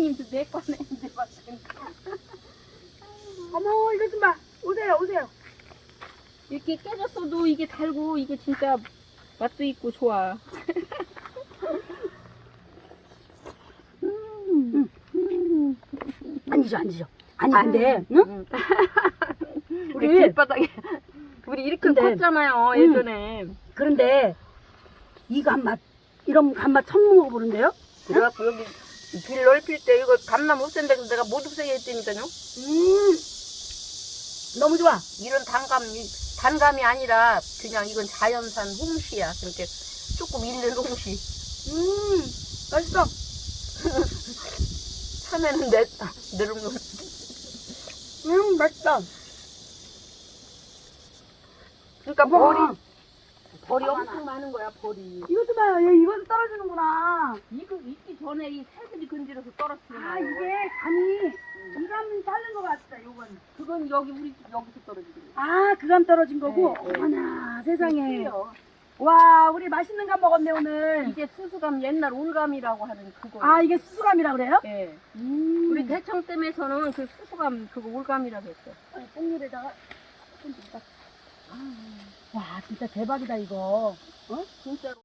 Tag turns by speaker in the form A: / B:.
A: 선생님도 내 거네 이제 봤으니까.
B: 어머, 이거 좀 봐. 오세요, 오세요.
A: 이렇게 깨졌어도 이게 달고 이게 진짜 맛도 있고 좋아.
B: 앉으셔, 앉으셔. 아니, 근데, 응?
A: 우리
B: 우리,
A: 길바닥에 우리 이렇게
B: 근데,
A: 컸잖아요 예전에.
B: 그런데, 이 감맛, 이런 감맛 처음 먹어보는데요?
A: 그래갖고 여기 길 넓힐 때 이거 감나무 없앤 데서 내가 못 없애게 했다니까요.
B: 너무 좋아.
A: 이런 단감이 아니라 그냥 이건 자연산 홍시야. 그러니까 조금 잃는 홍시.
B: 맛있어.
A: 참외는 내른 거.
B: 맛있다.
A: 그러니까
B: 우와.
A: 벌이 엄청 많은 거야 벌이.
B: 이것도 봐요. 얘 이것도 떨어지는구나.
A: 이거 있기 전에 이 살들이 건드려서 떨어뜨려.
B: 아, 이게 감이, 이 감이 자른 것 같다, 요건.
A: 그건 여기 우리 집 여기서 떨어지는 거야.
B: 아, 그 감 떨어진 거고?
A: 네, 네.
B: 어머나, 세상에.
A: 틀려.
B: 와, 우리 맛있는 감 먹었네, 오늘.
A: 이게 수수감 옛날 올감이라고 하는 그거.
B: 아, 이게 수수감이라 그래요?
A: 예.
B: 우리
A: 우리 대청댐에서는 그 수수감 그거 올감이라고 했어.
B: 뽕물에다가 좀 와, 진짜 대박이다, 이거.
A: 진짜로.